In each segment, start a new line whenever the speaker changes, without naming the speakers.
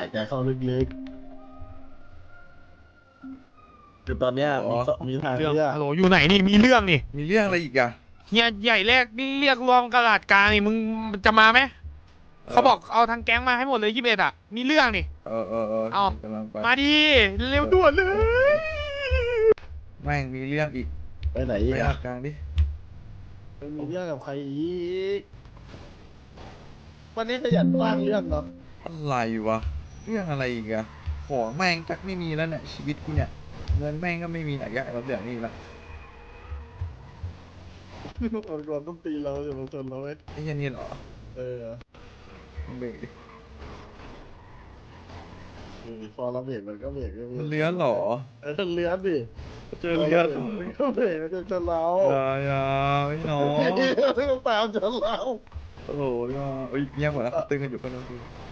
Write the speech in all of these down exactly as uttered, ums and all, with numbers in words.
ใจเข้าลึกๆคือตอนเนี้ยมีมีทาง
เรื่อง
เลือก
ฮัลโหลอยู่ไหนนี่มีเรื่องนี่
มีเรื่องอะไรอีกอะ
เฮียใหญ่แรกนี่เรียกรวมกระดาษกลางนี่มึงจะมาไหมเขาบอกเอาทางแก๊งมาให้หมดเลยยี่สิบเอ็ดอ่ะมีเรื่องนี่
เออเออเออ
เอา
กำลังไป
มาดิเร็วด่วนเลย
แม่งมีเรื่องอีก
ไปไหน
ไป
อีก
อา
อะ
กลางดิ
มีเรื่องกับใครอีกวันนี้ขยันสร้างเรื่องเนาะ
อะไรวะเรื่องอะไรอีกอะของแม่งจักไม่มีแล้วเนี่ยชีวิตกูเนี่ยเงินแม่งก็ไม่มีไหนแกเราเรื่องนี้ละ
อดรวมต้องตีเราอย่ามาชนเราไว้
ไอ้เหี้ยันนี่เหรอ
เออ
มึงเบรกดิ
ดูดิพอเราเบรกมันก็เบรกก็เบร
มัน
ก
เลื้อนเหรอ
เออเลื้อนดิ
เจอเลื้อนเหรอ
มันก็เบรกมันก็ชนเรา
อย่าอย่าไม่น้อง
ที่มันตามชนเรา
โอ้โหอย่าเอ้ยเงียบหมดแล้วตึงกันอยู่กันแล้ว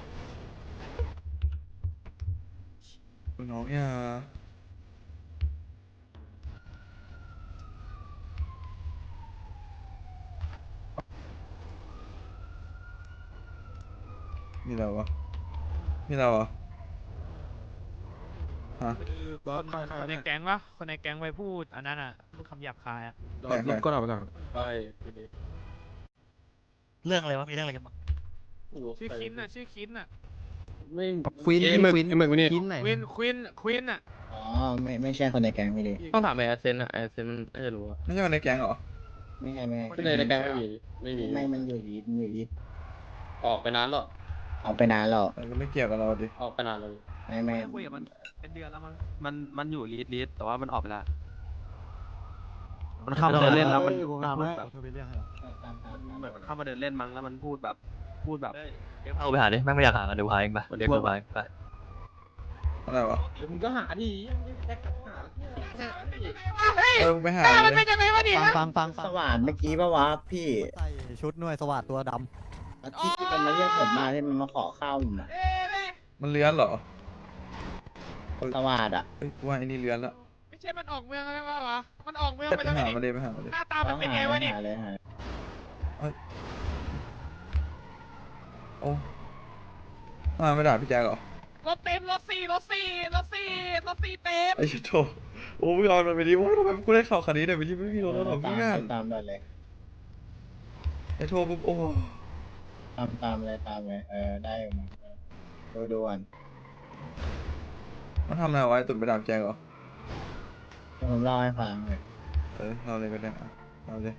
คือน้องอย่ามีเราวะมีเราวะฮะ
คนคนในแก๊งวะคนในแก๊งไปพูดอันนั้นอ่ะพูดคำหยาบคายอ่ะ
ใครใคร
ก็เอาไปก่อน
ไป
เรื่องอะไรวะมีเรื่องอะไรกันบ้าง
ชื่อคินน่ะชื่อคินน่ะ
ไม่
ควิน
เอ๊ะ
ไอ้หมึกไอ้หมึกนี่
กินไหน
ควินควินควินอ่ะ
อ๋อไม่ไม่ใช่คนในแก๊งไม่ดี
ต้องถามไอ้แอสเซนอะแอสเซนน่าจะรู้อะ
ไม่ใช่คนในแก๊งเหรอ
ไม่ใช่ไม่
ในในแก๊งไม่มีไม่มี
ไม่มันอยู่ดีมันอยู่ดี
ออกไปนานแล้ว
เอาไปนานแล้ว
มันก็ไม่เกี่ยวกับเราดิ
ออกไปนานเลย
ไม่ไม่
คุยกับมันเป็นเดือนแล้วมั้งมันมันอยู่ลีดลีดแต่ว่ามันออกไปแล้วมันเข้ามาเดินเล่นแล้วมัน
อ้ยกู
มัน
ถาม
พูด
ให้
แบบ
เอาไปเรื่องให้เหรอ
เหมือนมันเข้ามาเดินเล่นมั้งแล้วมันพูดแบบพูดแบบ
เอาไปหาดิแม่งไม่อยากหากันเดี๋ยวหาเองไปเดี๋ยวกูหาเองไป
อะไรวะ
เดี๋ยวมึงก็หาดิยังไม่แท็กหา
เออมึงไปหา
ตามัน
เล
เป็
ย
นยังไงวะเนี่ย
ฟังฟังฟัง
สว่านเมื่อกี้ปะวะพี่
ใส่ชุดหน่วยสวัสดตัวด
ที่มันมาเรียกผมมาที่มันมาขอข้าวผมอะ
เอ้ย
มันเลื้อนเหรอ
สว่านอ่ะ
เอ้ยกูว่าไอ้นี่เลื้อนละ
ไม่ใช่มันออกเมืองแล้ววะวะมันออกเมืองไป
ไป
แล้ว
หา
นี่
มาเลยไปหามาเลย
หน้าตามันเป็นไงวะเนี่ย
หาเลยหา
โอ้มาไม่ด่าพี่แจ๊คเหรอ
รถเต็มรถสี่รถสี่รถสี่รถสี่เต็ม
ไอ้ชิโตโอ้พี่ออนมันไปดิโอ้ทำไมกูได้ข่าวคันนี้เนี่ยไปที่ไม่มีรถแล้วหรอ
ตา
พี่
ม
งาน
ตามได้เลย
ไอ้โทรปุ๊บโอ้
ตามตามเลยตามเลยเออได้อยู่มาดูดูก่อน
มันทำอะไรวะไอ้ตุ่นไปด่าพี่แจ๊คเหรอ
ผมเล่าให้ฟังเลย
เออเราเลยก็ได้อะเราเลย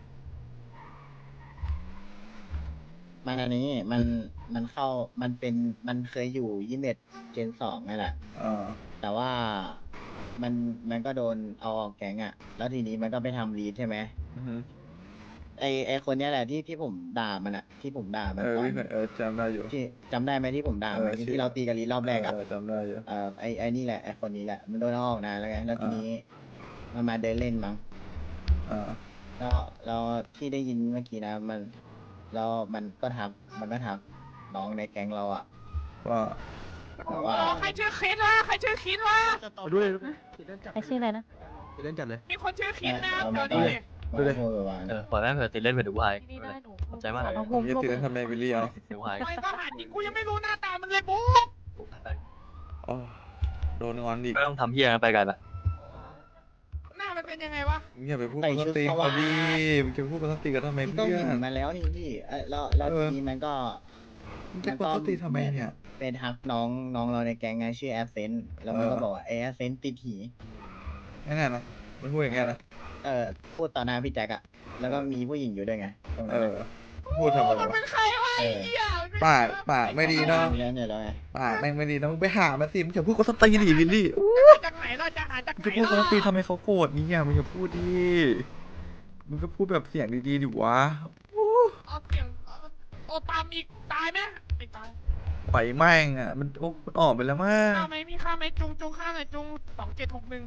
มันอันนี้มันมันเข้ามันเป็นมันเคยอยู่ยี่สิบเอ็ดเจนสองนั่นแหละ
อ่า
แต่ว่ามันมันก็โดนเอาออกแก๊งอะแล้วทีนี้มันก็ไปทำรีดใช่ไหม
อือฮึ
ไอไอคนเนี้ยแหละที่ที่ผมด่ามันอะที่ผมด่ามัน
เออ
ตอน
พี่เคยเออจำได้อยู่
ที่จำได้ไหมที่ผมด่ามัน
เออชื่อ
ที่เราตีกันรีดรอบแรกอะ
เออจำได้อยู่
เออไอไอนี่แหละไอคนนี้แหละมันโดนเอาออกนานแล้วไงแล้วทีนี้มันมาเดินเล่นมั้ง
อ่า
แล้วแล้วที่ได้ยินเมื่อกี้นะมันแล้วมันก็ทักมันก็ทักน้องในแก๊งเราอะ
ว่า
แต่ว่า
อ๋อใครชื่อคินวะใครชื่อคินวะ
ไปด้วย
ใครชื่ออะไรนะ
ไปเล่นจัดเลย
มีคนชื่อคินนะ
เอา
เดี๋
มา
ยวนี้
มันก็พูดแบบว่า
เออปล่อยแม่งเถอะติดเล่นไปเดี๋ยวกูหาเอง
นี่
ไม่
ได้
เป็นไร
หนู
ขอบใจมาก
ขอบ
ผ
คุ
ม
ณ
จะติดเล่นทำไมวิลลี่เอา
เดี๋ยวกูหาเอง
ไม่ก็หาจริงกูยังไม่รู้หน้าตามันเลยบุ๊ก
อ๋อโดนงอนอีก
ไม่ต้องทำเฮียนะไปไกลไป
หน้ามันเป็นยังไงวะ
มึงอย่าไปพูดกับสตีเขาดิมึงจะพูดกับสตีกันทำไม
มันก็
เพื่อ
เห็น
น
มาแล้วนี่พี่เอ้ยแล้วแล้ว
เออ
ทีนี้มันก็
มึงจะกดสตีทำไมเนี่ย
เป็นทักน้องน้องเราในแก๊งไงชื่อแอสเซนแล้วมันก็
เออ
บอกว่าไอแอสเซนติดหี
แน่ๆนะมันพูดอย่างเงี้ยนะ
เออพูดต่อหน้าพี่แจ็คอะแล้วก็มีผู้หญิงอยู่ด้วยไงตรง
เอ
นั้น
อ
อะ
พูดทำไม
มัน
วะ
เป็นใครวะไอ้เหี้ยมันเป็น
ปากปากไม่ดีเนาะ
มีแล้วเนี่ยแล้วไง
ปากแม่งไม่ดีนะมึงไปหามาสิมึงอย่าพูดกับสตีดิวิลลี่
มาจากไหนเราจะหาจาก
มึง
ไหน
จะพูดกับส
ล่ะ
ตีทำไมเขาโกรธนี่อ่ะมึงอย่าพูดดิมึงก็พูดแบบเสียงดีๆดิวะ
เอาเสียงเอาโอตามอีกตายไหมไม่ตาย
ปล่อยแม่งอ่ะมันโอ้มันออกไปแล้วมั้ง
ข้าไหมมีข้าไหมจุงจุงข้าไหนจุงสองเจ็ดหกหนึ่ง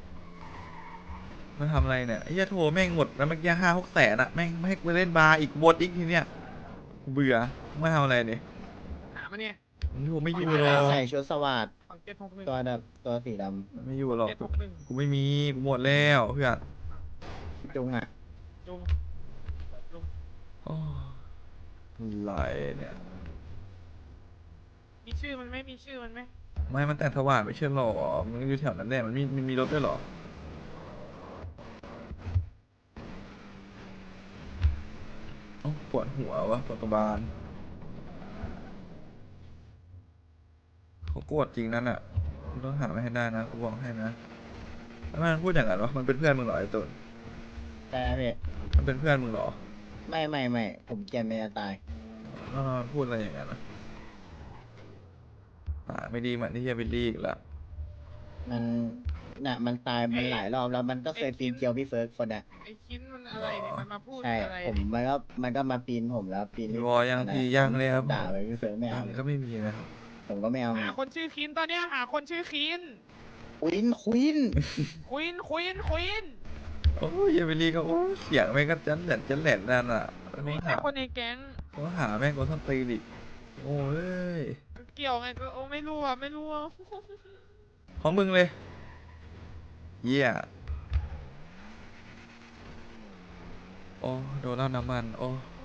มันทำอะไรเนี่ยไอ้เหี้ยโทรแม่งหมดแล้วเมื่อกี้ห้าหกแสนอะแม่งไม่ให้กูเล่นบาร์อีกบดอีกทีเนี่ยกูเบื่อไม่ทำอะไรเนี่ย
หามาเนี่ย
มึงโทรไม่อยู่หรอก
ใส่ชุดสวัสด
สองเจ็ดหกหนึ่ง
ตัวแบบตัวสีด
ไม่อยู่หรอก
เจ็ดหกหนึ่ง
กูไม่มีกูหมดแล้วเพื่อน
ำจุงอะ
จุงจุง
โอ้อะไรเนี่ย
มมีชื่อมันไหมมีชื่อมันไหม
ไม่มันแต่งสว่างไม่ใช่หรอมันอยู่แถวนั้นแหละมันมีมันมีรถด้วยเหรอเอ้าปวดหัววะปวดกระบาลเขาโกรธจริงนั่นอ่ะมึงต้องหามาให้ได้นะกูบอกให้นะแล้วมันพูดอย่างนั้นวะมันเป็นเพื่อนมึงเหรอไอ้ตุน
แต่พี่
มันเป็นเพื่อนมึงเหรอ
ไม่ไม่ไม่ผมเกลียดเมียตาย
แล้วมันพูดอะไรอย่างนั้นนะปากไม่ดีเหมือนที่เฮียบิลลี่อีกละ
มันน่ะมันตายมันหลายรอบแล้วมันก็เคยปีนเกลียวพี่เฟิร์สคนอ่ะ
ไอ้คินมันอะไรเนี่ยมันมาพูด
ใช่
อะไร
ผมมันก็มันก็มาปีนผมแล้วปีน
มีวอยังพี่ยังเลยครับ
ด่าไปพี่เฟิร์สไม่เอา
ยังก็ไม่มีนะครับ
ผมก็ไม่เอา
หาคนชื่อคินตอนเนี้ยหาคนชื่อคิน
ควินควิน
ควินควินควิน
โอ้ยเฮียบิลลี่ก็โอ้เสียงแม่งก็จันแหลนจันแหลนนั่นอ่ะ
ไม่
เขา
ใช่
หา
คนในแก๊ง
เขาหาแม่งก็ท่อนตีนอีกโอ้ย
เกี่ยวไงก็โอ้ไม่รู้อ่ะไม่รู้อ่ะ
ของมึงเลยเยี่ยโอ้โดนแล้วน้ำมันโอ้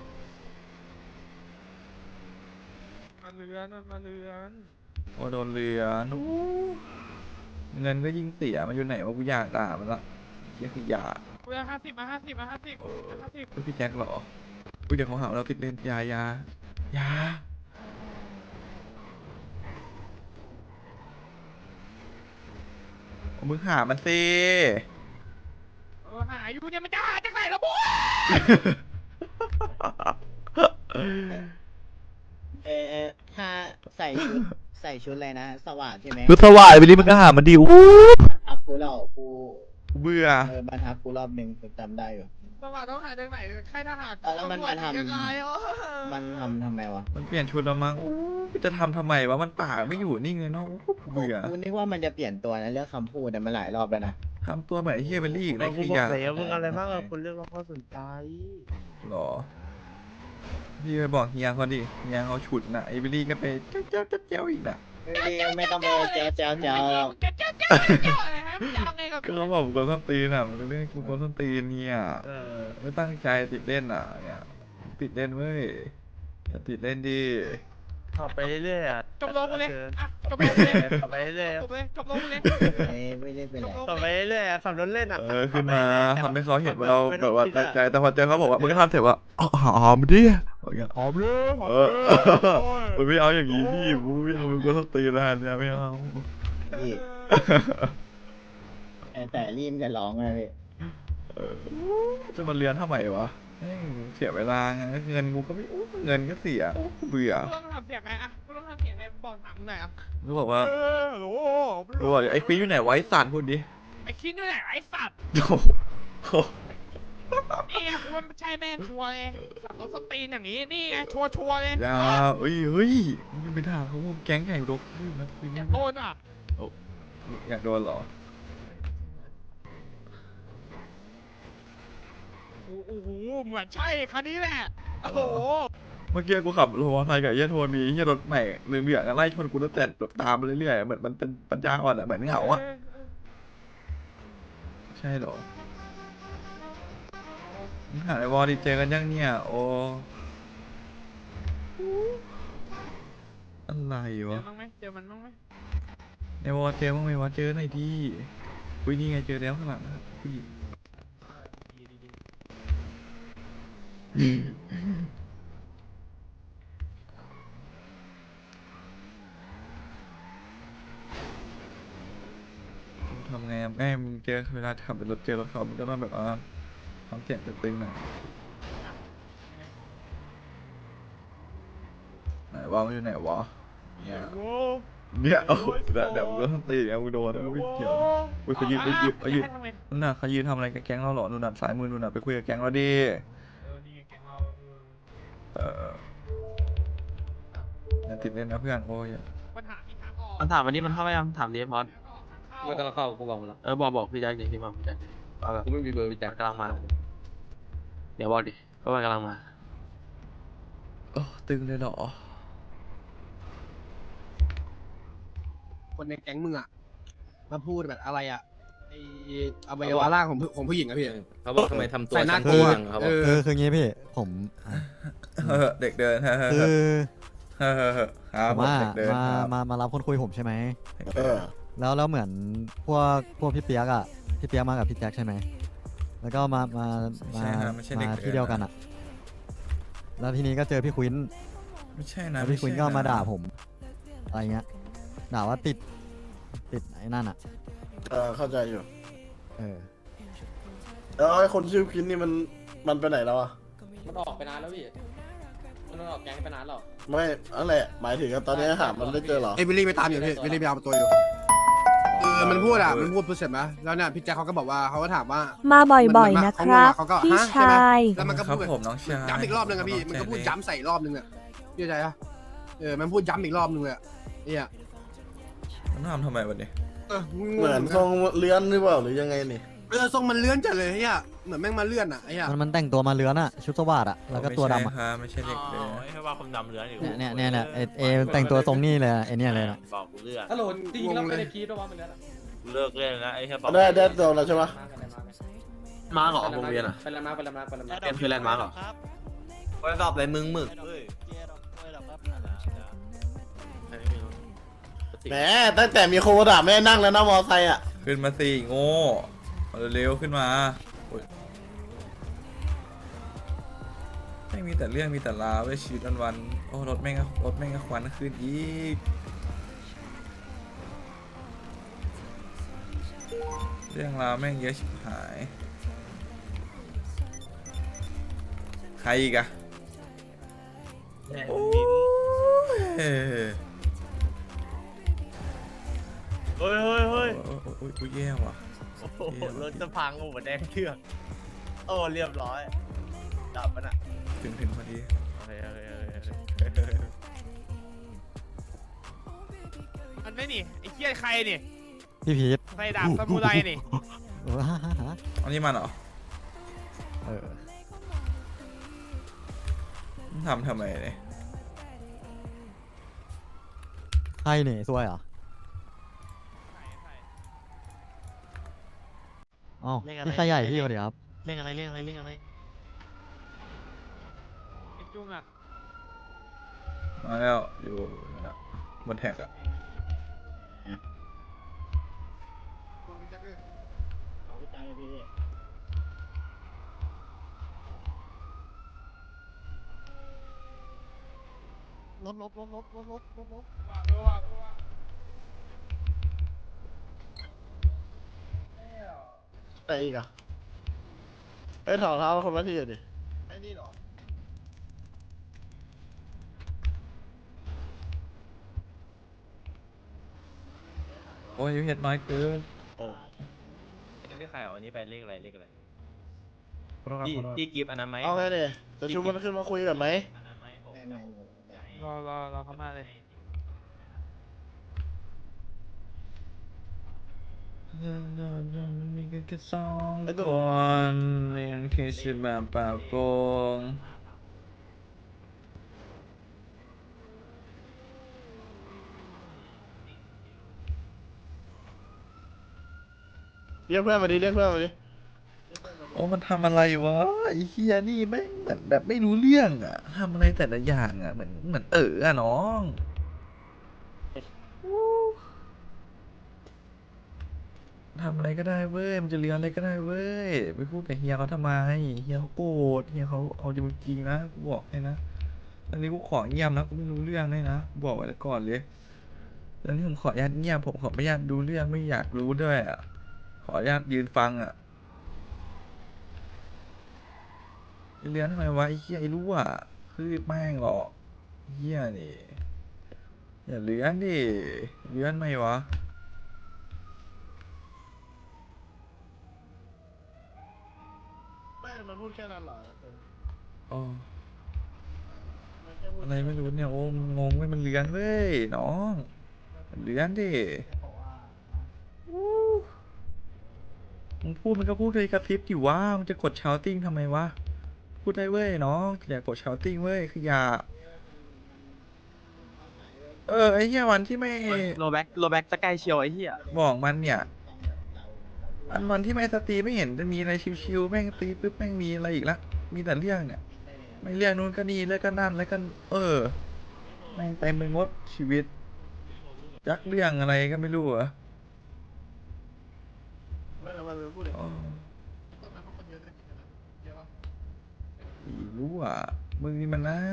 มาเรือนมันมาเรือน
โอ้โดนเรือนู้เงินก็ยิ่งเสียมันอยู่ไหนวะกูอยากด่ามันละเยี่ยขยะ
กูจะห้าสิบมาห้าสิบมาห้าสิบมาห้าสิบ
เฮ้ยพี่แจ็คเหรออุ้ยเดี๋ยวเขาหาว่าเราติดเล่นยายายาเอามึงหามันสิ
เออหาอยู่เนี่ยมันจะหาจากไหนละบุ๊
เออเออถ้าใส่ชุดใส่ชุดอะไรนะ สว่างใช่ไหม
คือสว่ายไปดิมึงก็หามันดิอู้
ทักกูเรากู
กูเบื่อ
เออมาทักกูรอบหนึ่งผมจำได้อยู่
สวัสดิ์ต้องหาจากไหนค่ายทหาร
เออแล้วมันมาทำ
ยังไงอ่ะ
มันทำทำไมวะ
มันเปลี่ยนชุดแล้วมั้งอู้จะทำทำไมวะมันปากไม่อยู่นิ่งเลยเนาะอู้กูเบื่อ
กูนึกว่ามันจะเปลี่ยนตัวนะเรื่องคำพูดแต่มันหลายรอบแล้วนะ
ทำตัวเหมือนไอ้เฮียเบลลี่อีกนะขยะ
แล้วมึงอะไรมากกว่าคนเรียกร้องความสนใจ
หรอพี่ไปบอกเฮียเขาดิเฮียเขาฉุดน่ะไอ้เบลลี่ก็ไปเจ้าเจ้าเจ้าเจ้าอีกน่ะ
ไม่ไม่ต้องไปเจ้าเจ้าเจ้าหรอก
เจ้าเจ้าเจ้าเจ้าอะไรฮะมันจะเอาไงกับ
ก็เขาบอกกูโกนส้นตีนอ่ะมันเป็นเรื่องกูโกนส้นตีนเนี่ย
เออ
ไม่ตั้งใจติดเล่นอ่ะเนี่ยติดเล่นเว้ยอย่าติดเล่นดิ
ขับไปเรื่อยๆอ่ะ
จบโลกูเลยอ่ะจบโลกูเลย
ขับไปเรื่อย
จบเลยจบโลกูเลย
เอ้ยไม่ได้เป็นไร
ๆขับไปเรื่อยๆอ่ะขับรถเล่นอ่ะ
เออขึ้นมาทำให้เขาเห็นว่าเรา
ไม่
แบ
ต้อง
บว่า
คิด
ตั้
อะ
งใจแต่พอเจอเขาบอกว่ามึงก็ทำเสร็จว่าอ๋อหอมดิอย่างเงี้ย
หอมเลยหอม
เอ
เล
อย มันไม่เอาอย่างนี้พี่กูไม่เอามึงก็ต้องตีนานเนี่ยไม่เอา
พี่แต่แต่รีมจะร้องเลยพี่
เออจะมาเรียนทำไมวะแม่งเสียเวลาไงเงินกูก็ไม่อู้เงินก็เสียเบื่อ
กูต้องทำเสียงไงอ่ะกูต้องทำเสียงไงบอกถามมึงหน่อยอ่ะ
กูบอกว่า
เออโห
กูบอกไอ้ปีอยู่ไหนไวะไอ้สัตว์พูดดิ
ไอ้คิดนี่แหละไอ้สัตว์
โอ้โห
นี่ไงกูว่าไม่ใช่แม่งชัวร์เลยสัตว์รถสตีนอย่างนี้นี่ไงชัวร์ชัวร์เลย
อย่าเฮ้ยเฮ้ยมึงไปด่าเขาแก๊งใหญ่รกขึ้นนะคือ
อยากโดนอ่ะ
อยากโดนเหรอ
โอ้โหเหมือนใช่คันนี้แหละโอ้โห
เมื่อกี้กูขับรถมอเตอร์ไซค์กับไอ้เหี้ยโทนี่เหี้ยรถใหม่เหลืองเหลืองๆไล่ชนกูตั้งแต่แบบตามไปเรื่อยๆเหมือนมันเป็นปัญญาอ่อนอะเหมือนเหงาอะใช่เหรอมึงหาในวอลดีเจอกันยังเนี่ยโอ้อะไร
เจอ
วะ
มั้งไหมเจอมันมั้งไหม
ในวอลเจอมั้งไหมวะเจอหน่อยดิอุ้ยนี่ไงเจอแล้วข้างหลังอะผู้หญิง ทำไงอะแม่มึงเจอเวลาขับรถเจอรถเขามันก็ต้องแบบว่าทำเสียงตึงๆหน่อยไหนวะมันอยู่ไหนวะเนี่ย
โอ้
เนี่ยโอ้โหเดี๋ยวเดี๋ยวมึงก็ต้องตีไงมึงโดนมึงไม่เกี่ยวอุ้ยเขายืนเขายืนเขายืนนู่นน่ะเขายืนทำอะไรกับแก๊งเราหรอนู่นน่ะสายมือนู่นน่ะไปคุยกับแก๊งเราดิ
เออนี่ไงแกงเรา
เอออย่าติดเล่นนะเพื่อนโอ้ย
ปัญหามีทางออก
มันถามวันนี้มันเข้าไปยังถามดิมอส
ไม่กำลังเข้ากูบอกมันแล้ว
เออบอกบอกพี่แจ็คดิที่มาพี่แจ็คเอาแบบ
กูไม่มีเบอร์พี่แจ็ค
กำลังมา เดี๋ยวบอกดิว่ามันกำลังมา
โอ้ตึงเลยเหรอ
คนในแก๊งมึงอะมาพูดแบบอะไรอะไออวัยวะร่างของผู้ของผู้หญิงอะพี่
เขาบอกทำไมทำตัว
ใส่หน้า
ช้ำ
กลัว
จังเขาบ
เอ
อก
อ
คือคืองี้พี่ผม
เออเด็กเดินฮะฮะ
คือ
ฮเออครับ
ผมว่า
เด็กเดิน
มา
ครับ
มามารับคนคุยผมใช่ไหม
เด็ก
เอ
เดิ
อ
น
แล้วแล้วเหมือนพวกพวกพี่เปียกอ่ะพี่เปียกมากับพี่แจ็คใช่ไหมแล้วก็มามามา
ใช่ครับไม่ใช่เด็ก
มา
เดิน
ที่เดียวกันอ่ะ แล้วทีนี้ก็เจอพี่ควิน
ไม่ใช่นะ
แล้วพี่ควิน
ไใช่
ก็มา
นะ
ด่าผมอะไรเงี้ยด่าว่าติดติดไอ้นั่นอ่ะ
เออเข้าใจอยู่
เออ
แล้วไอ้คนชื่อพินนี่มันมันไปไหนแล้วอะ
มันออกไปนานแล้วพี่ มันออกแก๊งไปนานแล้ว
ไม่อะไรหมายถึงว่าตอนนี้หามันได้เจอเหรอ
ไอ้วิลลี่ไปตามอยู่พี่วิลลี่ไปเอาตัวอยู่คือมันพูดอ่ะมันพูดพูดเสร็จไหมแล้วเนี่ยพี่แจ็คเขาก็บอกว่าเขาก็ถามว่า
มาบ่อย
มัน
ๆ
มัน
นะครับ
เขาก็
พี่
ฮะใช่ไหม
ชาย
แล้วมันก็
ครั
พู
บ
ด
ผมน้องชาย
ย้ำอีกรอบนึงอะพี่มันก็พูดย้ำใส่รอบนึงอะพี่เข้าใจปะเออมันพูดย้ำอีกรอบนึงเลยอะเนี่ย
มันทำทำไมวันนี้
เออ
เหมือนทรงเลื้อนหรือเปล่าหรือยังไงนี่
เออทรงมันเลื่อนจัดเลยเฮียเหมือนแม่งมาเลื่อนอะไอ้เหี้ย
มันมันแต่งตัวมาเลื้อนอ่ะชุดสวัสดอ่ะแล้วก็ตัวดำอ่ะ
ไม่ใช่ครับไม่ใช่เด็กเดิน
ให้ว่าคนดำเลือนอยู่
เนี่ยเนี่ยเนี่ยเนี่ยเอเอแต่งตัวทรงนี้เลยอะไอเนี่ยเลยนะ
บอกกูเลือก
ฮัลโหลจริงๆแล้วไม่ได้พีทหรอวะมันแล้ว
กูเลิกเล่นนะไอ้แค่บอก
ได้ได้ตัวแล้วใช่ปะ
มาเหรอวงเวียนอ่ะ
ไปแล้วมาไปแล้วมาไปแล้วมา
เป็นคือแลนด์มาร์กเหรอ
ไปสอบอะไรมึงหมึก
แหมตั้งแต่มีโควิดอะไม่ได้นั่งแล้วนะมอไซค์อะ
ขึ้นมาสิโง่เอาเร็วๆขึ้นมาโอ๊ยไม่มีแต่เรื่องมีแต่ราวเว้ยชีวิตวันๆโอ้รถแม่งก็รถแม่งก็ควันขึ้นอีกเรื่องราวแม่งเยอะชิบหายใครอีกอะโอ้ย
เฮ้ยเฮ้ยเฮ้ย
โอ้ยโอ้ยโอ้ยโอ้ยแย่ว่ะ
โอ้โหรถจะพังโอ้โหแดงเชือกโอ้เรียบร้อยดับมันอ่ะ
ถึงถึงพอดี
โอเคโอเคโอเค
มันไม่นี่ไอ้เหี้ยใครนี่
พี่พีท
ใส่ดาบซามูไรนี่
เออฮะฮะฮะ
อันนี้มันเหรอ
เออ
ทำทำไมเนี่ย
ใครเนี่ยซวยเหรออ๋อพี่ชายใหญ่พี่สวัสดีครับ
เรื่องอะไรเรื่องอะไรเรื่องอะไร
ไอ้จุงอ่ะ
มาแล้วอยู่บนแท็กอะ
ลบลบลบลบลบลบลบลบ
ไอ้อีกอะไอ้ถอดเท้าคนละทีดิไอ้นี่หรอ
โอ้ยเห็ดน้อยเกิน
โอ้
เรียกใครอ่ะวันนี้ไปเลขอะไรเลขอะไรพี่พี่กิฟต์อันนั้นไหม
เอาไงเนี่ยจะชุบมันขึ้นมาคุยกันไหม
อันนั้นไหมผม
รอรอรอเขามาเลย
มีกันแค่สองคนยังคิดสิแบบปากโกง
เรียกเพื่อนมาดิเรียกเพื่อนมาดิ
โอ้มันทำอะไรวะไอ้เฮียนี่ไม่งเหมือนแบบไม่รู้เรื่องอะทำอะไรแต่ละอย่างอะเหมือนเหมือนเอออะน้องทำอะไรก็ได้เว้ยมันจะเรียนอะไรก็ได้เว้ยไปพูดกับเฮียเขาทำไมเฮียเขาโกรธเฮียเขาเอาจริงๆนะกูบอกให้นะอันนี้กูขอเงียบนะกูไม่รู้เรื่องเลยนะกูบอกไว้ก่อนเลยตอนนี้ผมขออนุญาตเงียบผมขอไม่อยากดูเรื่องไม่อยากรู้ด้วยอะขออนุญาตยืนฟังอะเรียนทำไมวะไอ้เหี้ยไอ้รู้อ่ะคือแม่งหรอกเหี้ยนี่อย่าเลี้ยนดิเลี้ยนไหมวะ
ไม่มันพูดแค่นั้นเหรอ
อ๋ออะไรไม่รู้เนี่ยโอ้งงเว้ยมันเลี้ยนเว้ยน้องเลี้ยนดิอู้มึงพูดมันก็พูดเลยกระพริบดิว่ามึงจะกดชาวติ้งทำไมวะพูดได้เว้ยน้องอย่ากดชาวติ้งเว้ยคืออย่าเออไอ้เหี้ยวันที่ไม่
โลแบ็กโลแบ็กจะใกล้เชียวไอ้เหี้ย
บอกมันเนี่ยอันวันที่ไม่สตรีไม่เห็นจะมีอะไรชิวๆแม่งตีปุ๊บแม่งมีอะไรอีกละมีแต่เรื่องเนี่ยไม่เรื่องนู้นก็นี่แล้วก็นั่นแล้วก็เออแม่งเต็มไปหมดชีวิตยักเรื่องอะไรก็ไม่รู้เหรอ
ไม่แล้วมันพูดเลย
อ๋ออีรู้อ่ะมึงนี่มันน่า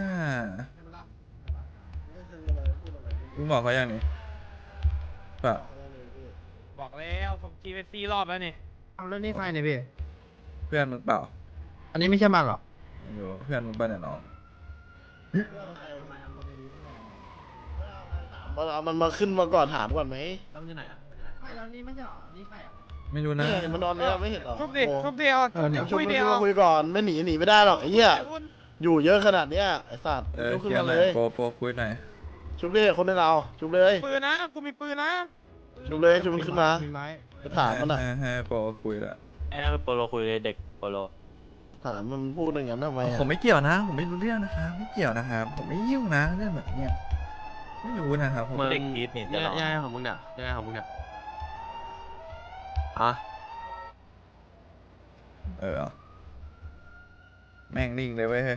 มึงบอกเขายังนี่เปล่า
บอกแล้วผมจีไปซีรอบแล้วนี่
เอาแล้วนี่ใครเนี่ยพี่
เพื่อนมึงเปล่า
อันนี้ไม่ใช่มันหรอ
ไม่รู้เพื่อนมึงป่ะเนี่ยน้อง
มันเอามันมาขึ้นมาก่อนถามก่อนไหม
แล้วมันอยู่ไหนอ่ะ
ไม่แล้วนี่ไม่ใช่หรอ นี่ใครอ่ะ
ไม่รู้นะ
เนี่ยมันนอนเนี่ยไม่เห็นหรอ
ทุบดิทุบดิเอา
เออเนี่ย
ชุบ
คุย
มัน
เดีย
ขึ้น
ว
มาคุยก่อนไม่หนีหนีไม่ได้หรอกไอ้เหี้ย
คุณ
อยู่เยอะขนาดเนี้ยไอ้สัตว์
เออ
ลุกขึ้น
เคลียร์
มา
หน่
เล
อย
ย
โปรโปรคุยหน่อย
ชุบเลยคนในเราชุบเลย
ปืนนะกูมีปืนนะ
ชุบเลยชุบมันขึ้นมา
มีไม้
ไปถามมันอ่ะ
ให้ให้ให้โปรคุยละ
ไอ้นั่นคือโปโลคุยเลยเด็กโปโล
ถามมันพูดอย่างนั้นทำไมอะ
ผมไม่เกี่ยวนะ ผมไม่รู้เรื่องนะครับไม่เกี่ยวนะครับผมไม่ยุ่งนะเรื่องแบบเนี้ยไม่รู้นะครับผม
มึง
เด็ก
อีทนี่
ยั
จะ
ง
หรอ
ไงของมึงเนี่ยยังไงของมึงเนี่ยอะ
เออแม่งนิ่งเลยเว้ยเฮ้ย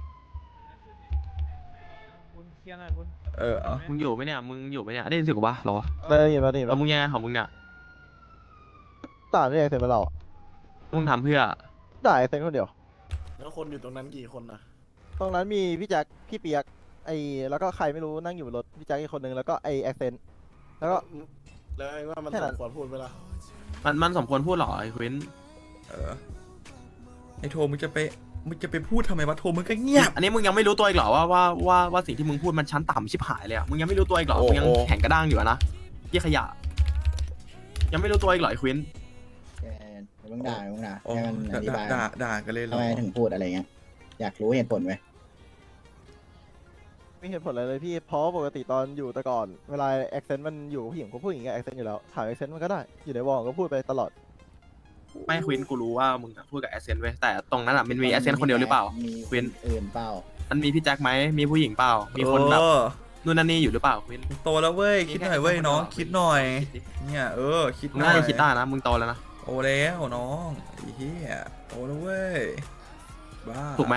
คุณเคลียร์หน่อยคุณ
เออเอา
มึงอยู่ไหมเนี่ยมึงอยู่ไหมเนี่ยได้ยินเสียงกูปะเหรอ
ได้ยินป่ะนี่
แล้วมึงยังไงของมึงเนี่ย
ด่าได้ไงเสร็จไปเรา
มึงทำเพื่อ
ด่าไอ้เซนคนเดียวแล้วคนอยู่ตรงนั้นกี่คนนะ
ตรงนั้นมีพี่แจ็คพี่เปียกไอ้แล้วก็ใครไม่รู้นั่งอยู่บนรถพี่แจ็คอีกคนนึงแล้วก็ไอ้แอคเซนต์แล้วก็
แล้วไอ้ว่ามัน
แค่
ส
นั้น
มควรพูดไหมล่ะ
มันมันสมควรพูดเหรอไอ้ควิน
เออไอโทมึงจะไปมึงจะไปพูดทำไมวะโทมึงก็เงียบ
อันนี้มึงยังไม่รู้ตัวอีกเหรอว่าว่าว่าว่าสิ่งที่มึงพูดมันชั้นต่ำชิบหายเลยอ่ะมึงยังไม่รู้ตัวอีกเหรอ
โอ้
มึงยัง
โอ้
แข็งกระด้างอยู่อะนะยี่ขยะ ยังไม่รู้ตัวอีกเหรอไอ้ควิน
แกมึงด่ามึงด่า
โอ้
ให้มันอธิ
ด่า
บาย
ด่าด่ากันเลยเหร
ทำ
อ
ไมถึงพูดอะไรเงี้ย อยากรู้เหตุผลไหม
ไม่เห็นผลอะไรเลยพี่เพราะปกติตอนอยู่แต่ก่อนเวลาแอคเซนต์มันอยู่ผู้หญิงก็พูดอย่างเงี้ยแอคเซนต์อยู่แล้วถามแอคเซนต์มันก็ได้อยู่ในวอลก็พูดไปตลอด
ไม่ควินกูรู้ว่ามึงอะพูดกับแอสเซนต์เว้ยแต่ตรงนั้นอ่ะมันมีแอสเซนต์คนเดียวหรือเปล่า
มี
ควิน
อื่นเปล่า
มันมีพี่แจ็คไหมมีผู้หญิงเปล่า มีคนแบบ
เออ
นู่นนั่นนี่อยู่หรือเปล่าควิน
มึงโตแล้วเว้ยคิดหน่อยเว้ยน้องคิดหน่อย เนี่ยเออคิด
มึง
หน่
น่า
อย
จะคิดได้นะมึงโตแล้วนะ
โตแล้วน้องไอ้เหี้ยโตแล้วเว้ยบ้า
ถูกไหม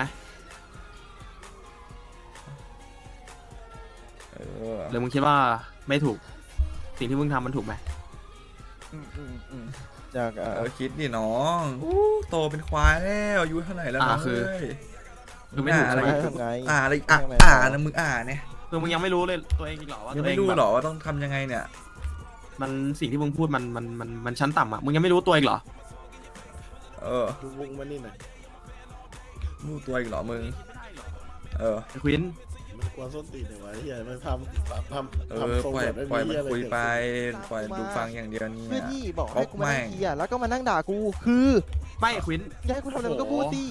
เออ
หรือมึงคิดว่าไม่ถูก สิ่งที่มึงทำมันถูกไหม
อืมอืมอืมอยากเอ่
เอ
อ
อคิดดิน้องอู้โตเป็นควายแล้วอายุเท่าไหร่แล้วน้องเอ้ย
คือไม่ถูก
อะไร
ใช่ไหม
ทำไง
อ่าอะไรอ่ะ
ทำไง
อ่า
ต่อ
นะมึงอ่าเนี่ย
คือมึงยังไม่รู้เลยตัวเองอีกเหรอว่า
ยัง
ตัวเอ
ไม่
ง
รู้
แบบ
หรอว่าต้องทำยังไงเนี่ย
มันสิ่งที่มึงพูดมันมันมันมันชั้นต่ำอ่ะมึงยังไม่รู้ตัวอีกเหรอ
เออ
ดูวงมันนี่หน่อย
รู้ตัวอีกเหรอมึงเออ
ไอ้ควิน
มันกวนส้นตีนเนี่ยวะเฮียมันทำทำ
เอ
ทำ
อ
ทรง
ปล่อย
แบบ
ปล่อยมัน
เหี้ะร
คุยไป
เกิดขึ้น
ปล่อยดูฟังอย่างเดียวเนี่
เพื่อย ที่บอก
คร
ให้
บ
กูมานั่ง
แม่ง
เคลียร์แล้วก็มานั่งด่ากูคือ
ไม่ควิน
อยากให้กูทำอะไรมันก็พูดสิ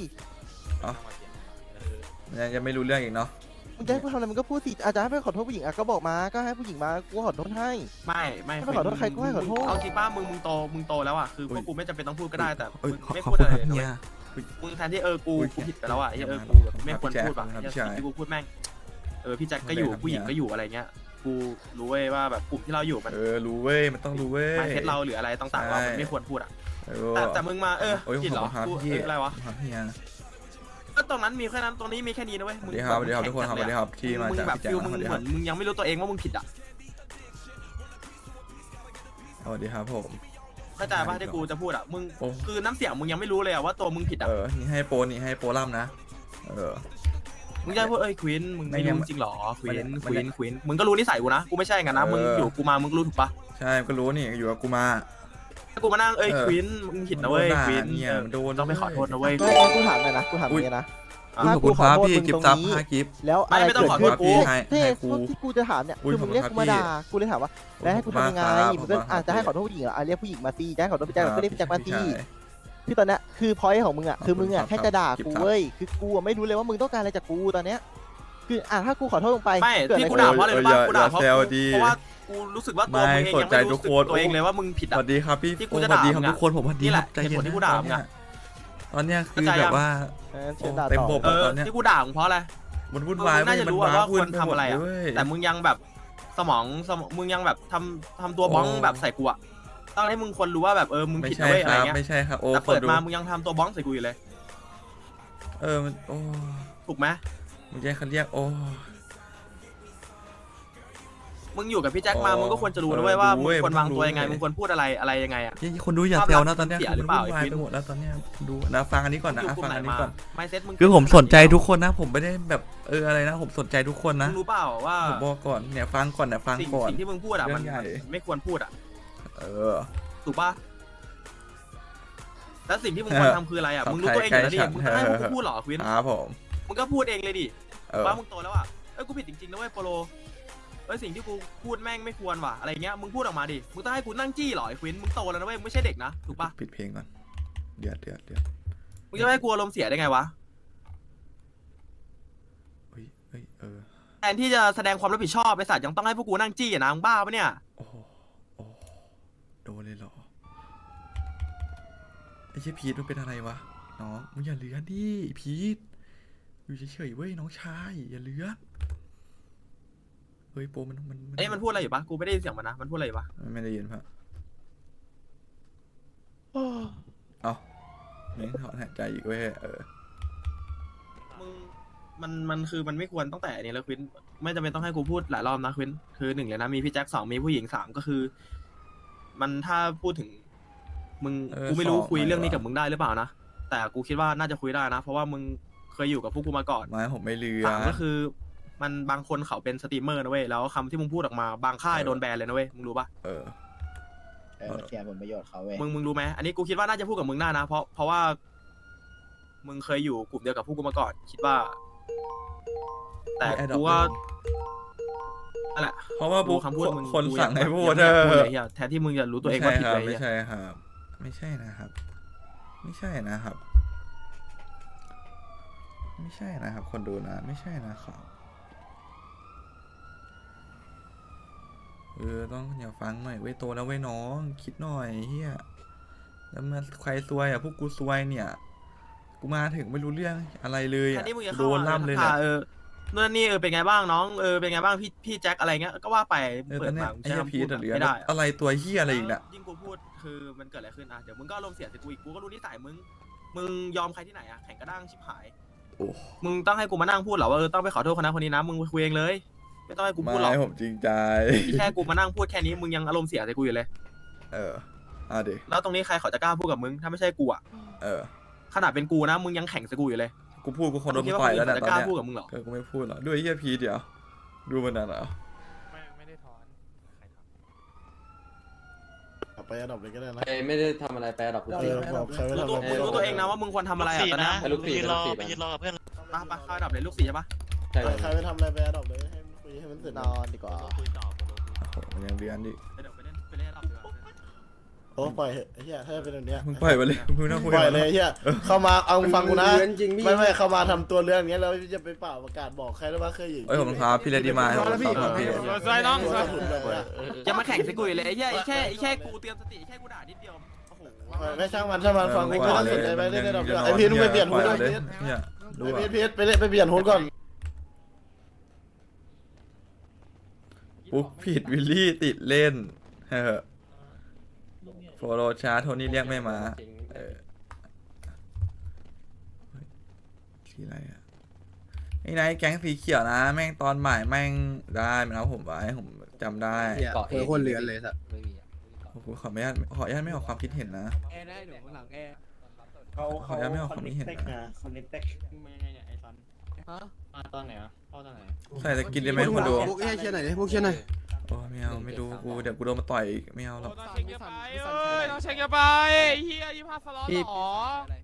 ยังยังไม่รู้เรื่องอีกเนาะ
มึงจะให้กูทำอะไรมันก็พูดสิอาจจะให้ไปขอโทษผู้หญิงอ่ะก็บอกมาก็ให้ผู้หญิงมากูขอโทษให้
ไม่ไม่
ไม่ขอโทษใครก็ให้ขอโทษ
เอาจริงป้ามึงมึงโตมึงโตแล้วอ่ะคือพวกกูไม่จำเป็นต้องพูดก็ได้แต่
เอ้ย
มึง
ขอ
ไม่
ขอ
พูด
คุ
อะ
ณ
ไร
ครับ
เลย
เฮีย
มึงแทนที่เออกู
อุ้ย
กูผิดไปแล้วอ่ะไอ้เหี้ยเออ
ครับ
กูแบบไม่ควร
ครับ
พูดอ่ะ
ครับ
ไอ้
ใช่
สิ่งที่กูพูดแม่งเออพี่แจ็คก็อยู่
ครับ
ผู้หญิง
เนี่ย
ก็อยู่อะไรเงี้ยกูรู้เว้ยว่าแบบกลุ่มที่เราอยู่มัน
เออรู้เว้ยมันต้องรู้เว้ย
มาเทสเราหรืออะไรต่างๆเรา
ใช่
มันไม่ควรพูดอ่ะ
เออ
แต่แต่มึงมาเออ
โอ้ย
ผิดเหรอ
ขอบคุณครับ
กู
พี่
เอออะไรวะ
ครับเฮีย
ก็ตรงนั้นมีแค่นั้นตรงนี้มีแค่นี้นะเว้ย
ส
มึ
วั
ง
สดีครับสวัสดีครับ
แข็
ทุ
ง
กคนครับส
จั
วั
ด
ส
เลย
ดี
อะ
ครับที่มา
มึง
จาก
แบบ
พี่แจ็ค
ฟิล
นะ
มึ
ส
ง
วัสดี
เห
ค
มื
รั
อบ นมึงยังไม่รู้ตัวเองว่ามึงผิดอ่ะ
สวัสดีครับผม
เข้าใจป่ะที่กูจะพูดอ่ะมึง
โอ้
คือน้ำเสียงมึงยังไม่รู้เลยอ่ะว่าตัวมึงผิดอ่ะ
เออนี่ให้โปรนี่ให้โปรล่ำนะเออ
มึงจะพูดเอ้ยควินมึงไม่
ไม่งั้น
รู้จริงเหรอควิน
มัน
ควินควินมึงก็รู้นิสัยกูนะกูไม่ใช่งั้นนะ
เออ
มึงอยู่กูมามึงก็รู้ถูกปะ
ใช่ก็รู้นี่อยู่กับกูมา
ถ้ากูมานั่งเอ้ย
เออ
ควินมึงผิดนะเว้ย
มันโดนด่า
ควิน
เนี่ย
เออ
มันโดน
ต้องไปขอโทษนะเว้ย
ไม่งั้นกูถามหน่อยนะกูถามอย่างนี้นะ
อุ้ยขอบคุณครับพี่กิฟต์ซับห้ากิฟต์
แล้ว
ไม่
อะไร
ไม่ต้อง
เกิด
ขอโท
ขึ้
ษ
น
กู
ให้
ที่
ให้กู
ที่กูจะถามเนี่ย
อุ้ย
คือมึงเรียก
ขอบ
กู
คุณ
มา
ครับ
ด่ากูเลยถามว่าแล้วให้กูทำยังไง
ขอบคุณ
มึงก็
มากครับ
อาจจะให้
ข
ข
อ
อบ โทษผู้หญิงเหรออ่ะเรียกผู้หญิงมาสิจะให้ขอโทษพี่แจ็ค
ครับ
ก็เรียกพี่แจ็คมาสิ
ใช่
คือตอนเนี้ยคือพอยต์ของมึงอ่ะคือมึงอ่ะ
ขอบคุณ
แค่จะด่า
ครับ
กู
ครับ
เว้ยคือกูอะไม่รู้เลยว่ามึงต้องการอะไรจากกูตอนเนี้ยคืออ่ะถ้ากูขอโทษลงไป
ไม่
เกิด
ที่
อะไร
กู
ขึ้น
ด่าเพราะอะไรรู้ป่ะ
อย่า
กูด่าเพราะ
อย่าแซว
กู
ดี
เพราะว่ากูรู้สึกว่าตัวมึงเอง
ไม่
ยังไม่รู้
เข้าใจทุ
สึ
ก
ก
คน
ตัวเองเลยว่ามึงผิด
ส
อ่ะ
วัสดีครับพี่
ที่กูจะ
สวัสดี
ด่า
ครับ
มึงอะ
ทุกคนผมสวัสดี
นี่
ค
แห
รั
ละ
บใจเย็น
เหตุผลที่กู
นะ
ด่า
ตอน
มึง
เนี้ย
อะ
ตอนเนี้ยคือ
เข้าใจ
แบ
ยัง
บว่า
เออเชิญด่า
เต็ม
ต่อ
บบ
เออ
ตอนเนี้ย
ที่กูด่ามึงเพราะอะไร
มันวุ่น
มึง
วาย
น่าจะ
มัน
รู้
ว้า
ว่า
วุ่
คน วร
ไป
ทำ
หมด
อะไร
เล
อ่ะ
ยเว้ย
แต่มึงยังแบบสมองสมองมึงยังแบบทำทำตัวบ้อง
โอ้
แบบใส่กูอ่ะตอนนี้มึงควรรู้ว่าแบบเออมึง
ไม่
ผิด
ใช่
นะเว้ย
ค
อะไร
รับ
เงี้ย
ไม่ใช่ครับโอ้
แต่
ขอ
เปิด
ดู
มามึงยังทำตัวบ้องใส่กูอยู่เลย
เออมันโอ้
ถูกไหม
มึงจะให้เขาเรียกโอ้
มึงอยู่กับพี่แจ็คมา
อ๋อ
มึงก็ควรจะรู้นะเว้ยว่า
รู้
มึง
เว้ย
ควรวางตัว
มึงรู้
ยังไง
เว้ย
มึงควรพูดอะไรอะไรยังไงอะ
ที่คนดูอย่าแซวนะตอนเนี้ย
เสีย
คน
หรือ
ดู
เปล่า
วุ่นวาย
ไอ้
ไป
ฟิน
หมดแล้วตอนเนี้ยดูนะฟังอันนี้ก่อนนะ
อยู่กลุ่
ฟั
ม
ง
ไหน
อันนี้
มา
ก่อน
ไม่เซ็ตมึง
คือผมสนใจทุกคนนะ ผมไม่ได้แบบเอออะไรนะ ผมสนใจทุกคนนะ
มึงรู้เปล่าว่า
ผมบอกก่อนเนี่ยฟังก่อนเนี่ยฟัง
สิ่ง
ก่อน
สิ่งที่มึงพูดอะมัน
เรื่องใหญ่
มันไม่ควรพูดอะ
เออ
ถูกปะแล้วสิ่งที่มึงควรทำคืออะไรอะมึงรู้ตัวเองอยู่แล้วดิมึงจะให้พวกกูพูดเหรอควิน
ครับผม
มึงก็พูดเองเลยดิ
เออ
ว่ามึงโตแล้วอะเอ้ยกูผิดจริงๆนะเว้ยโปโลเอ้ยสิ่งที่กูพูดแม่งไม่ควรว่ะอะไรเงี้ยมึงพูดออกมาดิมึงต้องให้กูนั่งจี้เหรอไอ้ควินมึงโตแล้วนะเว้ยมึงไม่ใช่เด็กนะถูกปะ
ปิดเพลงก่อนเดือดเดือดเดือด
มึงจะไม่ให้กูอารมณ์เสียได้ไงวะ
เฮ้ยเฮ้ยเออ
แทนที่จะแสดงความรับผิดชอบไอ้สัตว์ยังต้องให้พวกกูนั่งจี้อะนะมึงบ้าปะเนี่ย
โอ้โหโอ้โหโดนเลยเหรอไอ้เชี่ยพีทมันเป็นอะไรวะน้องมึงอย่าเลื้อนดิพีทอยู่เฉยๆเว้ยน้องชายอย่าเลื้อนเฮ้ยโปมันมัน
เอ้ยมันพูดอะไรอยู่ปะกูไม่ได้ยินเสียงมันนะมันพูดอะไรอยู่ปะ
มันไม่ได้ยินปะเอาเม้งถอนหายใจอีกเว้ยเออ
มึงมันมันคือมันไม่ควรตั้งแต่อันนี้แล้วควินไม่จำเป็นต้องให้กูพูดหลายรอบนะควินคือหนึ่งเลยนะมีพี่แจ็คสองมีผู้หญิงสามก็คือ มันถ้าพูดถึง มึง
เออ
กูไม่รู้
สอง
คุยเรื่องนี้
ไม่
กับ
วะ
มึงได้หรือเปล่านะแต่กูคิดว่าน่าจะคุยได้นะ เพราะว่ามึงเคยอยู่กับพวกกูมาก่อน
ไม้ผมไม่เลื้อ
สามก็คือ มันบางคนเขาเป็นสตรีมเมอร์นะเว้ยแล้วคำที่มึงพูดออกมาบางค่าย
เออ
โดนแบนเลยนะเว้ยมึงรู้ปะ
เออ
เออเสียผลประโยชน์เขาเว้ย
มึงมึงรู้ไหมอันนี้กูคิดว่าน่าจะพูดกับมึงได้นะ เพราะเพราะว่า มึงเคยอยู่กลุ่มเดียวกับพวกกูมาก่อน คิดว่า แต่
มี Adopt
กูว่า
ด้วย
นั่นแหละ
เพราะว่า
ดู
บุ๊ค
คำพูดมึง
คน
กู
สั่ง
ยั
ให้
แบบ
พูด
ยัง
เอ
ไม่อยากพูด
อ
เลยเหี้ยแทนที่มึงจะรู้ตัวเองว่าผิดเลย
ไม่
เหี้ย
ใช่ครับ ไม่ใช่นะครับ ไม่ใช่นะครับ ไม่ใช่นะครับ คนดูนะ ไม่ใช่นะครับเออต้องอย่าฟังหน่อยเว้ยโตแล้วเว้ยน้องคิดหน่อยเฮียแล้วมาใครซวยอ่ะพวกกูซวยเนี่ยกูมาถึงไม่รู้เรื่องอะไรเลย
แท
อ่ะ
นที่มึงจะ
โด
เข้าน
ล่ำเลย
เนี่
เนี่ย
เออนู่นนี่เออเป็นไงบ้างน้องเออเป็นไงบ้างพี่พี่แจ็คอะไรเงี้ยก็ว่าไป
เออ
เปิ
ตอ
ด
นเนี้
ปาย ก
ไอ้เหี้ย
ใช้
พี
คำพู
ท
ด
อะเหลือ
ไม่ได้
อะไรตัวเฮียอะไรอีกน่ะ
ยิ่งกูพูดคือมันเกิดอะไรขึ้นอ่ะเดี๋ยวมึงก็อารมณ์เสียใส่กูอีกกูก็รู้นิสัยมึงมึงยอมใครที่ไหนอ่ะแข่งกระด้างชิบหาย
โอ้
มึงต้องให้กูมานั่งพูดเหรอว่าเออต้องไปขอโทษคนนั้นคนนี้นะมึงไปคุยเองเลย ไม่ต้องให้กูพูดหรอก
ไม่ผมจริงใจ
แค่กูมานั่งพูดแค่นี้มึงยังอารมณ์เสียใส่กูอยู่เลย
เอออ่ะดิ
แล้วตรงนี้ใครเขาจะกล้าพูดกับมึงถ้าไม่ใช่กูอ่ะ
เออ
ขนาดเป็นกูนะมึงยังแข่งใส่กูอยู่เลย
กูพูดกูคนโดน
คิดว่า
ต่อยแล้ว
คน
เนี่ย
อื่น
ตอน
จะกล้า
เนี้ย
พูดกับมึงเหรอ
เออกูไม่พูดหรอกด้วยไอ้เฮียพีทเดี๋ยวดูมันนั่นเหรอ
ไม่ไม่ได้ถอน
ไปอันดับเลยก็ได้นะ
ไม่ได้ทำอะไรแปลหรอก
เออบอกใครไม่
รู้
ทำ
ตัว
อะไร
มึงรู้ตัวเองนะว่ามึงควรทำอะไรอ่ะตอนนี้
ไปลูกสี่ไปลูกสี่
ไปยืนรอกับเพื่อน
มาปะเข้าอันดับเลยลูกสี่ใช่ปะ
ใช่
ใครไม่ทำอะไรไปอันดับเลยให้มันคุยให้มันเสร็จ
นอนดีกว่า
โอ้โหมันยังเรียนดิ
ไปเดี๋ยวไปเล่นไปเล่นอันดับดีกว่า
โอ้ปล่อยเหอะไอ้เหี้ยถ้าเป็นแบบเนี้ย
มึงปล่อยไปเลยมึงไม่ต้องคุย
ปล่อย
กับมัน
เลยไอ้เหี้ยเข้ามาเอาฟังกูนะ
เรื่องจริงพี่
ไม่ไม่เข้ามาทำตัวเรื่องอย่างเงี้ยแล้วจะไปเปล่าประกาศบอกใครแล้วว่าเคยอยู่
เอ้ยผมครับพี่เลดี้มาผมครับพี่
สวยน้อง
ตัวถุนแบบว่า
อย่ามาแข่งใส่กูอยู่เลยไอ้แค่ไอ้แค่ไอ้แค่กูเตรียมสติไอ้แค่กูด่านิดเดียวโอ้โห
ไม่ช่างมันช่างมันฟังกูไม่ต้องสนใจไปเล่นในดอกเดียวไอพีทมึงไปเปลี่ยนหูด้วย
เนี่ยดู
ไอ
อ่ะ
พีทพีทไปเล่นไปเปลี่ยนหูก่อน
ปุ๊บผิดวิลลี่ติดเล่นเฮ้อโฟโรชาร์โทนี่เรียกไม่มาเออสีอะไรอ่ะไอ้นายแก๊งสีเขียวนะแม่งตอนบ่ายแม่งได้มันเอาผมไว้ผมจำได้
เกาะเออคนเรือนเลยสัตว์
โอ้โหขอไม่ญาตขออนุญาตไม่ออกความคิดเห็นนะ
แอร์ได้เดี๋ยวข้างหลังแอร์
ขออนุญาตไม่ออกความคิดเห็นนะ
คอนเนคเต็ก
มาตอนไหนอ่ะเข้าตอนไหน
ใส่สกินได้ไหมคนดู
พวกเอ้ยเชียร์หน่อยดิพวกเชียร์หน่อย
โอ้ไม่เอาไม่ดูกูเดี๋ยวกูโดนมาต่อยอีกไม่เอาหรอก
ต้องเช็คเยอะไปเอ้ยต้องเช็คเยอะไปเฮียยี่ห้าสล็อตหรอ